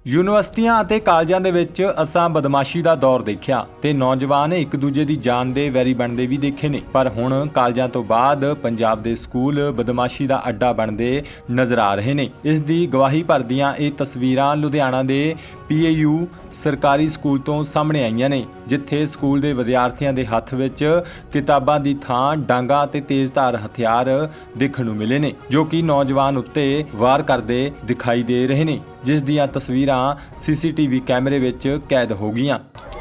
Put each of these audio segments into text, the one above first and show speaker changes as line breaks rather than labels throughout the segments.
ਯੂਨੀਵਰਸਿਟੀਆਂ ਅਤੇ ਕਾਲਜਾਂ ਦੇ ਵਿੱਚ ਅਸਾਂ ਬਦਮਾਸ਼ੀ ਦਾ ਦੌਰ ਦੇਖਿਆ ਤੇ ਨੌਜਵਾਨ ਇੱਕ ਦੂਜੇ ਦੀ ਜਾਨ ਦੇ ਵੈਰੀ ਬਣਦੇ ਵੀ ਦੇਖੇ ਨੇ, ਪਰ ਹੁਣ ਕਾਲਜਾਂ ਤੋਂ ਬਾਅਦ ਪੰਜਾਬ ਦੇ ਸਕੂਲ ਬਦਮਾਸ਼ੀ ਦਾ ਅੱਡਾ ਬਣਦੇ ਨਜ਼ਰ ਆ ਰਹੇ ਨੇ। ਇਸ ਦੀ ਗਵਾਹੀ ਭਰਦੀਆਂ ਇਹ ਤਸਵੀਰਾਂ ਲੁਧਿਆਣਾ ਦੇ PAU ਸਰਕਾਰੀ ਸਕੂਲ ਤੋਂ ਸਾਹਮਣੇ ਆਈਆਂ ਨੇ, ਜਿੱਥੇ ਸਕੂਲ ਦੇ ਵਿਦਿਆਰਥੀਆਂ ਦੇ ਹੱਥ ਵਿੱਚ ਕਿਤਾਬਾਂ ਦੀ ਥਾਂ ਡਾਂਗਾ ਤੇ ਤੇਜ਼ਧਾਰ ਹਥਿਆਰ ਦੇਖਣ ਨੂੰ ਮਿਲੇ ਨੇ, ਜੋ ਕਿ ਨੌਜਵਾਨ ਉੱਤੇ ਵਾਰ ਕਰਦੇ ਦਿਖਾਈ ਦੇ ਰਹੇ ਨੇ, ਜਿਸ ਦੀਆਂ ਤਸਵੀਰਾਂ CCTV ਕੈਮਰੇ ਵਿੱਚ ਕੈਦ ਹੋ ਗਈਆਂ।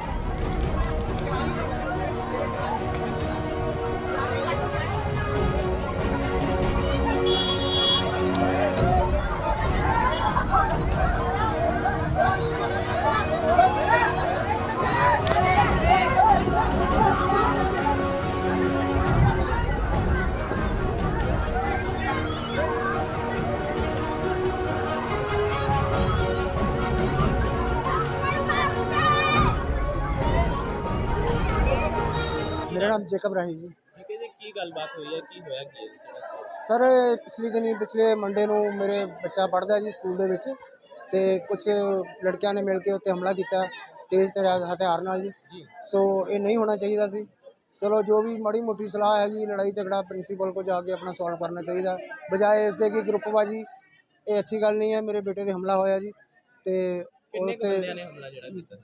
मेरा नाम जेकब राही जी।
ठीक है जी, की गलबात हुई है की होया की
सर पिछले मंडे ਨੂੰ ਮੇਰੇ ਬੱਚਾ ਪੜ੍ਹਦਾ ਜੀ ਸਕੂਲ ਦੇ ਵਿੱਚ ਤੇ ਕੁਝ ਲੜਕਿਆਂ ਨੇ ਮਿਲ ਕੇ ਉੱਤੇ ਹਮਲਾ ਕੀਤਾ ਤੇਜ਼ ਹਥਿਆਰ ਨਾਲ ਜੀ। ਸੋ ਇਹ ਨਹੀਂ ਹੋਣਾ ਚਾਹੀਦਾ ਸੀ। ਚਲੋ ਜੋ ਵੀ ਮਾੜੀ ਮੋਟੀ ਸਲਾਹ ਹੈ ਜੀ, ਲੜਾਈ ਝਗੜਾ ਪ੍ਰਿੰਸੀਪਲ को ਜਾ ਕੇ ਆਪਣਾ ਸੋਲਵ ਕਰਨਾ ਚਾਹੀਦਾ, ਬਜਾਏ ਇਸ ਦੇ ਕਿ ਗਰੁੱਪਬਾਜੀ। ਇਹ ਅੱਛੀ ਗੱਲ ਨਹੀਂ ਹੈ। ਮੇਰੇ ਬੇਟੇ ਤੇ ਹਮਲਾ ਹੋਇਆ ਜੀ ਤੇ
ਕਿੰਨੇ ਬੰਦਿਆਂ ਨੇ ਹਮਲਾ ਜਿਹੜਾ ਕੀਤਾ?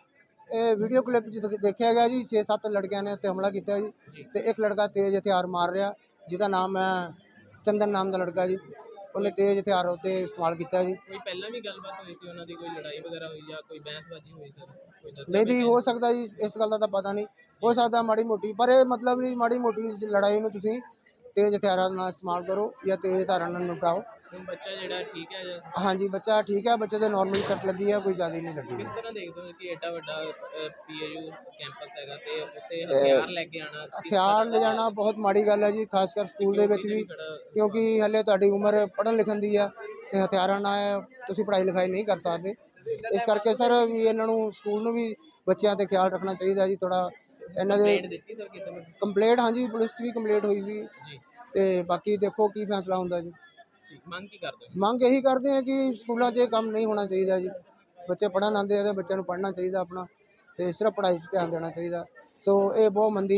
ਇਹ ਵੀਡੀਓ ਕਲਿੱਪ 'ਚ ਦੇਖਿਆ ਗਿਆ ਜੀ 6-7 ਲੜਕਿਆਂ ਨੇ ਉੱਤੇ ਹਮਲਾ ਕੀਤਾ ਜੀ ਤੇ ਇੱਕ ਲੜਕਾ ਤੇਜ਼ ਹਥਿਆਰ ਮਾਰ ਰਿਹਾ, ਜਿਹਦਾ ਨਾਮ ਹੈ ਚੰਦਨ ਨਾਮ ਦਾ ਲੜਕਾ ਜੀ। ਉਹਨੇ ਤੇਜ਼ ਹਥਿਆਰ ਉੱਤੇ ਇਸਤੇਮਾਲ ਕੀਤਾ ਜੀ।
ਕੋਈ ਪਹਿਲਾਂ ਵੀ ਗੱਲਬਾਤ ਹੋਈ ਸੀ ਉਹਨਾਂ ਦੀ, ਕੋਈ ਲੜਾਈ ਵਗੈਰਾ ਹੋਈ ਜਾਂ ਕੋਈ ਬਹਿਸਬਾਜ਼ੀ ਹੋਈ ਸਰ? ਕੋਈ ਦੱਸਿਆ
ਮੇ ਵੀ ਹੋ ਸਕਦਾ ਜੀ, ਇਸ ਗੱਲ ਦਾ ਤਾਂ ਪਤਾ ਨਹੀਂ, ਹੋ ਸਕਦਾ ਮਾੜੀ ਮੋਟੀ, ਪਰ ਇਹ ਮਤਲਬ ਨਹੀਂ ਮਾੜੀ ਮੋਟੀ ਲੜਾਈ ਨੂੰ ਤੁਸੀਂ ਤੇਜ਼ ਹਥਿਆਰਾਂ ਨਾਲ ਇਸਤੇਮਾਲ ਕਰੋ ਜਾਂ ਤੇਜ਼ ਹਥਿਆਰਾਂ ਨਾਲ ਨਿਪਟਾਓ।
ਹੁਣ ਬੱਚਾ ਜਿਹੜਾ ਠੀਕ ਹੈ ਜਾਂ
ਹਾਂਜੀ ਬੱਚਾ ਠੀਕ ਹੈ, ਬੱਚੇ ਦੇ ਨਾਰਮਲੀ ਸੱਟ ਲੱਗੀ ਹੈ, ਕੋਈ ਜ਼ਿਆਦਾ ਨਹੀਂ ਲੱਗੀ।
ਕਿਸ ਤਰ੍ਹਾਂ ਦੇਖਦੇ ਹੋ ਕਿ ਐਡਾ ਵੱਡਾ PAU ਕੈਂਪਸ ਹੈਗਾ ਤੇ ਉੱਥੇ ਹਥਿਆਰ ਲੈ ਕੇ ਆਣਾ?
ਹਥਿਆਰ ਲੈ ਜਾਣਾ ਬਹੁਤ ਮਾੜੀ ਗੱਲ ਹੈ ਜੀ, ਖਾਸ ਕਰ ਸਕੂਲ ਦੇ ਵਿੱਚ ਵੀ, ਕਿਉਂਕਿ ਹਲੇ ਤੁਹਾਡੀ ਉਮਰ ਪੜ੍ਹਨ ਲਿਖਣ ਦੀ ਆ ਤੇ ਹਥਿਆਰਾਂ ਨਾਲ ਤੁਸੀਂ ਪੜ੍ਹਾਈ ਲਿਖਾਈ ਨਹੀਂ ਕਰ ਸਕਦੇ। ਇਸ ਕਰਕੇ ਸਰ ਵੀ ਇਹਨਾਂ ਨੂੰ ਸਕੂਲ ਨੂੰ ਵੀ ਬੱਚਿਆਂ ਤੇ ਖਿਆਲ ਰੱਖਣਾ ਚਾਹੀਦਾ ਜੀ ਥੋੜਾ। ਇਹਨਾਂ ਦੇ
ਦਿੱਤੀ ਸਰ ਕਿਸੇ ਨੂੰ?
ਕੰਪਲੇਂਟ ਹਾਂਜੀ ਪੁਲਿਸ 'ਚ ਵੀ ਕੰਪਲੇਂਟ ਹੋਈ ਸੀ
ਜੀ,
ਤੇ ਬਾਕੀ ਦੇਖੋ ਕੀ ਫੈਸਲਾ ਹੁੰਦਾ ਜੀ।
ਮੰਗ ਕੀ ਕਰਦੇ ਹੋ?
ਮੰਗ ਇਹੀ ਕਰਦੇ ਆ ਕਿ ਸਕੂਲਾਂ 'ਚ ਇਹ ਕੰਮ ਨਹੀਂ ਹੋਣਾ ਚਾਹੀਦਾ ਜੀ। ਬੱਚੇ ਪੜ੍ਹਨ ਆਉਂਦੇ ਆ ਤੇ ਬੱਚਿਆਂ ਨੂੰ ਪੜ੍ਹਨਾ ਚਾਹੀਦਾ ਆਪਣਾ, ਤੇ ਸਿਰਫ ਪੜ੍ਹਾਈ 'ਚ ਧਿਆਨ ਦੇਣਾ ਚਾਹੀਦਾ। ਸੋ ਇਹ ਬਹੁਤ ਮੰਦੀ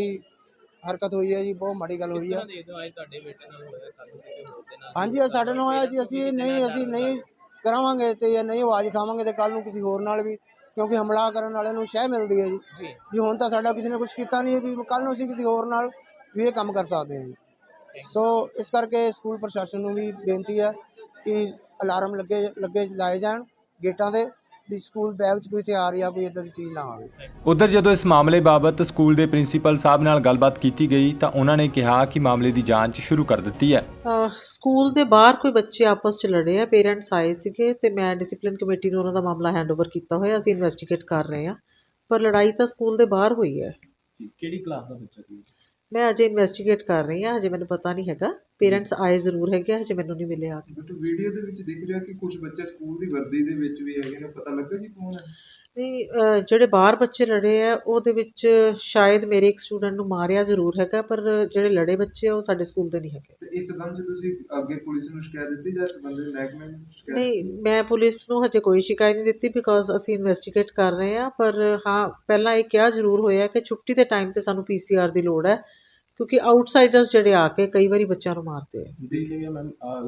ਹਰਕਤ ਹੋਈ ਹੈ ਜੀ, ਬਹੁਤ ਮਾੜੀ ਗੱਲ ਹੋਈ ਹੈ।
ਅੱਜ ਤੁਹਾਡੇ ਬੇਟੇ ਨਾਲ ਹੋਇਆ, ਕੱਲ੍ਹ ਨੂੰ ਕਿਸੇ ਹੋਰ ਦੇ ਨਾਲ?
ਹਾਂਜੀ ਅੱਜ ਸਾਡੇ ਨਾਲ ਹੋਇਆ ਜੀ। ਅਸੀਂ ਨਹੀਂ ਕਰਾਵਾਂਗੇ ਤੇ ਨਹੀਂ ਆਵਾਜ਼ ਉਠਾਵਾਂਗੇ ਤੇ ਕੱਲ੍ਹ ਨੂੰ ਕਿਸੇ ਹੋਰ ਨਾਲ ਵੀ, ਕਿਉਂਕਿ ਹਮਲਾ ਕਰਨ ਵਾਲਿਆਂ ਨੂੰ ਸ਼ਹਿ ਮਿਲਦੀ ਹੈ ਜੀ। ਵੀ ਹੁਣ ਤਾਂ ਸਾਡਾ ਕਿਸੇ ਨੇ ਕੁਝ ਕੀਤਾ ਨਹੀਂ, ਵੀ ਕੱਲ੍ਹ ਨੂੰ ਅਸੀਂ ਕਿਸੇ ਹੋਰ ਨਾਲ ਵੀ ਇਹ ਕੰਮ ਕਰ ਸਕਦੇ ਹਾਂ ਜੀ। ਸੋ ਇਸ ਕਰਕੇ ਸਕੂਲ ਪ੍ਰਸ਼ਾਸਨ ਨੂੰ ਵੀ ਬੇਨਤੀ ਹੈ ਕਿ ਅਲਾਰਮ ਲੱਗੇ ਲਾਏ ਜਾਣ ਗੇਟਾਂ ਦੇ, ਵੀ ਸਕੂਲ ਬੈਗ 'ਚ ਕੋਈ ਹਥਿਆਰ ਜਾਂ ਕੋਈ ਇੱਦਾਂ ਦੀ ਚੀਜ਼ ਨਾ ਆਵੇ।
ਉਧਰ ਜਦੋਂ ਇਸ ਮਾਮਲੇ ਬਾਬਤ ਸਕੂਲ ਦੇ ਪ੍ਰਿੰਸੀਪਲ ਸਾਹਿਬ ਨਾਲ ਗੱਲਬਾਤ ਕੀਤੀ ਗਈ ਤਾਂ ਉਹਨਾਂ ਨੇ ਕਿਹਾ ਕਿ ਮਾਮਲੇ ਦੀ ਜਾਂਚ ਸ਼ੁਰੂ ਕਰ ਦਿੱਤੀ ਹੈ।
ਸਕੂਲ ਦੇ ਬਾਹਰ ਕੋਈ ਬੱਚੇ ਆਪਸ 'ਚ ਲੜੇ ਆ, ਪੇਰੈਂਟਸ ਆਏ ਸੀਗੇ ਤੇ ਮੈਂ ਡਿਸਪਲਿਨ ਕਮੇਟੀ ਨੂੰ ਉਹਨਾਂ ਦਾ ਮਾਮਲਾ ਹੈਂਡਓਵਰ ਕੀਤਾ ਹੋਇਆ, ਅਸੀਂ ਇਨਵੈਸਟੀਗੇਟ ਕਰ ਰਹੇ ਹਾਂ। ਪਰ ਲੜਾਈ ਤਾਂ ਸਕੂਲ ਦੇ ਬਾਹਰ ਹੋਈ ਹੈ।
ਕਿਹੜੀ ਕਲਾਸ ਦਾ ਬੱਚਾ ਸੀ?
ਮੈਂ ਅਜੇ ਇਨਵੈਸਟੀਗੇਟ ਕਰ ਰਹੀ ਹਾਂ, ਹਜੇ ਮੈਨੂੰ ਪਤਾ ਨਹੀਂ ਹੈਗਾ। ਪੇਰੈਂਟਸ ਆਏ ਜ਼ਰੂਰ ਹੈਗੇ, ਹਜੇ ਮੈਨੂੰ ਨਹੀਂ ਮਿਲੇ ਆ ਕੇ।
ਬਟ ਵੀਡੀਓ ਦੇ ਵਿੱਚ ਦਿਖ ਰਿਹਾ ਕਿ ਕੁਝ ਬੱਚੇ ਸਕੂਲ ਦੀ ਵਰਦੀ ਦੇ ਵਿੱਚ ਵੀ ਹੈਗੇ ਨੇ, ਪਤਾ ਲੱਗਾ ਜੀ ਕੌਣ ਹੈ?
ਨਹੀਂ, ਜਿਹੜੇ ਬਾਹਰ ਬੱਚੇ ਲੜੇ ਆ ਉਹਦੇ ਵਿੱਚ ਸ਼ਾਇਦ ਮੇਰੇ ਇੱਕ ਸਟੂਡੈਂਟ ਨੂੰ ਮਾਰਿਆ ਜ਼ਰੂਰ ਹੈਗਾ, ਪਰ ਜਿਹੜੇ ਲੜੇ ਬੱਚੇ ਉਹ ਸਾਡੇ ਸਕੂਲ ਦੇ ਨਹੀਂ ਹੈਗੇ।
ਤੇ ਇਸ ਸੰਬੰਧ 'ਚ ਤੁਸੀਂ ਅੱਗੇ ਪੁਲਿਸ ਨੂੰ ਸ਼ਿਕਾਇਤ ਦਿੱਤੀ ਜਾਂ ਸੰਬੰਧਿਤ ਮਹਿਕਮੇ ਨੂੰ ਸ਼ਿਕਾਇਤ?
ਨਹੀਂ, ਮੈਂ ਪੁਲਿਸ ਨੂੰ ਹਜੇ ਕੋਈ ਸ਼ਿਕਾਇਤ ਨਹੀਂ ਦਿੱਤੀ, ਬਿਕੋਜ਼ ਅਸੀਂ ਇਨਵੈਸਟੀਗੇਟ ਕਰ ਰਹੇ ਹਾਂ। ਪਰ ਹਾਂ, ਪਹਿਲਾਂ ਇਹ ਕਿਹਾ ਜ਼ਰੂਰ ਹੋਇਆ ਕਿ ਛੁੱਟੀ ਦੇ ਟਾਈਮ 'ਤੇ ਸਾਨੂੰ PCR ਦੀ ਲੋੜ ਹੈ, ਕਿਉਂਕਿ ਆਊਟਸਾਈਡਰਸ ਜਿਹੜੇ ਆ ਕੇ ਕਈ ਵਾਰੀ ਬੱਚਿਆਂ ਨੂੰ ਮਾਰਦੇ ਆ।
ਦੇਖਿਆ ਮੈਮ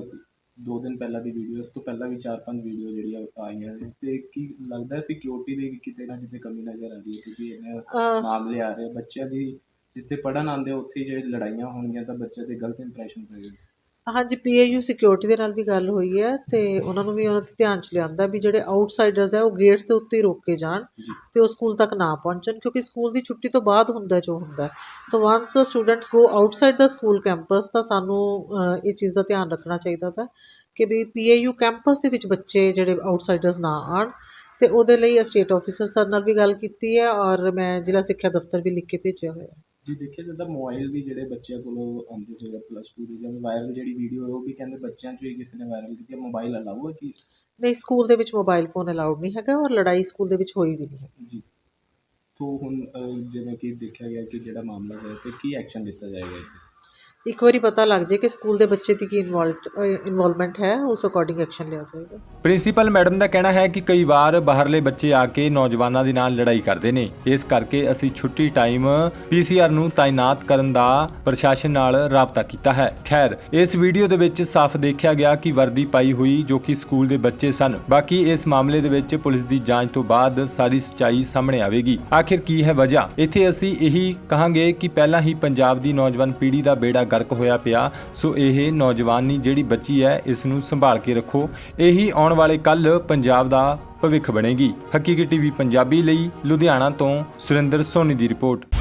2 ਦਿਨ ਪਹਿਲਾਂ ਦੀ ਵੀਡੀਓ, ਉਸ ਤੋਂ ਪਹਿਲਾਂ ਵੀ 4-5 ਵੀਡੀਓ ਜਿਹੜੀਆਂ ਆਈਆਂ ਨੇ, ਤੇ ਕੀ ਲੱਗਦਾ ਸਿਕਿਉਰਿਟੀ ਦੀ ਕਿਤੇ ਨਾ ਕਿਤੇ ਕਮੀ ਨਜ਼ਰ ਆ ਰਹੀ ਹੈ? ਕਿਉਂਕਿ ਇੰਨੇ ਮਾਮਲੇ ਆ ਰਹੇ ਬੱਚਿਆਂ ਦੀ, ਜਿੱਥੇ ਪੜ੍ਹਨ ਆਉਂਦੇ ਉੱਥੇ ਜੇ ਲੜਾਈਆਂ ਹੋਣਗੀਆਂ ਤਾਂ ਬੱਚਿਆਂ 'ਤੇ ਗਲਤ ਇੰਪਰੈਸ਼ਨ ਪਏਗਾ।
ਹਾਂਜੀ, PAU ਸਿਕਿਉਰਿਟੀ ਦੇ ਨਾਲ ਵੀ ਗੱਲ ਹੋਈ ਹੈ ਤੇ ਉਹਨਾਂ ਨੂੰ ਵੀ ਉਹਨਾਂ ਦੇ ਧਿਆਨ 'ਚ ਲਿਆਂਦਾ ਵੀ ਜਿਹੜੇ ਆਊਟਸਾਈਡਰਸ ਹੈ ਉਹ ਗੇਟਸ ਦੇ ਉੱਤੇ ਹੀ ਰੋਕ ਕੇ ਜਾਣ ਤੇ ਉਹ ਸਕੂਲ ਤੱਕ ਨਾ ਪਹੁੰਚਣ, ਕਿਉਂਕਿ ਸਕੂਲ ਦੀ ਛੁੱਟੀ ਤੋਂ ਬਾਅਦ ਹੁੰਦਾ ਜੋ ਹੁੰਦਾ। ਤਾਂ once students go outside the school campus, ਤਾਂ ਸਾਨੂੰ ਇਹ ਚੀਜ਼ ਦਾ ਧਿਆਨ ਰੱਖਣਾ ਚਾਹੀਦਾ ਵਾ ਕਿ ਵੀ PAU ਕੈਂਪਸ ਦੇ ਵਿੱਚ ਬੱਚੇ ਜਿਹੜੇ ਆਊਟਸਾਈਡਰਸ ਨਾ ਆਉਣ। ਤੇ ਉਹਦੇ ਲਈ ਸਟੇਟ ਆਫਿਸਰ ਸਰ ਨਾਲ ਵੀ ਗੱਲ ਕੀਤੀ ਹੈ ਔਰ ਮੈਂ ਜ਼ਿਲ੍ਹਾ ਸਿੱਖਿਆ ਦਫ਼ਤਰ ਵੀ ਲਿਖ ਕੇ ਭੇਜਿਆ ਹੋਇਆ।
ਜੀ ਦੇਖਿਆ ਜਾਂਦਾ ਮੋਬਾਈਲ ਵੀ ਜਿਹੜੇ ਬੱਚਿਆਂ ਕੋਲੋਂ ਆਉਂਦੇ ਸੀਗੇ +2 ਦੇ, ਜਿਵੇਂ ਵਾਇਰਲ ਜਿਹੜੀ ਵੀਡੀਓ ਹੈ ਉਹ ਵੀ ਕਹਿੰਦੇ ਬੱਚਿਆਂ 'ਚੋਂ ਹੀ ਕਿਸੇ ਨੇ ਵਾਇਰਲ ਕੀਤੀ। ਮੋਬਾਈਲ ਅਲਾਊ ਹੈ ਕਿ
ਨਹੀਂ? ਸਕੂਲ ਦੇ ਵਿੱਚ ਮੋਬਾਈਲ ਫੋਨ ਅਲਾਊਡ ਨਹੀਂ ਹੈਗਾ ਔਰ ਲੜਾਈ ਸਕੂਲ ਦੇ ਵਿੱਚ ਹੋਈ ਵੀ ਨਹੀਂ ਹੈ
ਜੀ। ਤੋਂ ਹੁਣ ਜਿਵੇਂ ਕਿ ਦੇਖਿਆ ਗਿਆ ਕਿ ਜਿਹੜਾ ਮਾਮਲਾ ਹੈ ਤੇ ਕੀ ਐਕਸ਼ਨ ਲਿੱਤਾ ਜਾਏਗਾ?
ਇੱਕ ਵਾਰੀ ਪਤਾ ਲੱਗ ਜੇ ਕਿ ਸਕੂਲ ਦੇ ਬੱਚੇ ਦੀ ਕੀ ਇਨਵੋਲਵਮੈਂਟ ਹੈ, ਉਸ ਅਕੋਰਡਿੰਗ ਐਕਸ਼ਨ ਲਿਆ ਜਾਏਗਾ।
ਪ੍ਰਿੰਸੀਪਲ ਮੈਡਮ ਦਾ ਕਹਿਣਾ ਹੈ ਕਿ ਕਈ ਵਾਰ ਬਾਹਰਲੇ ਬੱਚੇ ਆ ਕੇ ਨੌਜਵਾਨਾਂ ਦੇ ਨਾਲ ਲੜਾਈ ਕਰਦੇ ਨੇ, ਇਸ ਕਰਕੇ ਅਸੀਂ ਛੁੱਟੀ ਟਾਈਮ PCR ਨੂੰ ਤਾਇਨਾਤ ਕਰਨ ਦਾ ਪ੍ਰਸ਼ਾਸਨ ਨਾਲ ਰਾਬਤਾ ਕੀਤਾ ਹੈ। ਖੈਰ, ਇਸ ਵੀਡੀਓ ਦੇ ਵਿੱਚ ਸਾਫ਼ ਦੇਖਿਆ ਗਿਆ ਕਿ ਵਰਦੀ ਪਾਈ ਹੋਈ ਜੋ ਕਿ ਸਕੂਲ ਦੇ ਬੱਚੇ ਸਨ। ਬਾਕੀ ਇਸ ਮਾਮਲੇ ਦੇ ਵਿੱਚ ਪੁਲਿਸ ਦੀ ਜਾਂਚ ਤੋਂ ਬਾਅਦ ਸਾਰੀ ਸੱਚਾਈ ਸਾਹਮਣੇ ਆਵੇਗੀ। ਆਖਿਰ ਕੀ ਹੈ ਵਜ੍ਹਾ? ਇੱਥੇ ਅਸੀਂ ਇਹੀ ਕਹਾਂਗੇ ਕਿ ਪਹਿਲਾਂ ਹੀ ਪੰਜਾਬ ਦੀ ਨੌਜਵਾਨ ਪੀੜ੍ਹੀ ਦਾ ਬੇੜਾ ਗਰਕ ਹੋਇਆ ਪਿਆ, ਸੋ ਇਹ ਨੌਜਵਾਨੀ ਜਿਹੜੀ ਬੱਚੀ ਹੈ ਇਸ ਨੂੰ ਸੰਭਾਲ ਕੇ ਰੱਖੋ। ਇਹੀ ਆਉਣ ਵਾਲੇ ਕੱਲ ਪੰਜਾਬ ਦਾ ਭਵਿੱਖ ਬਣੇਗੀ। ਹਕੀਕੀ ਟੀਵੀ ਪੰਜਾਬੀ ਲਈ ਲੁਧਿਆਣਾ ਤੋਂ ਸੁਰਿੰਦਰ ਸੋਨੀ ਦੀ ਰਿਪੋਰਟ।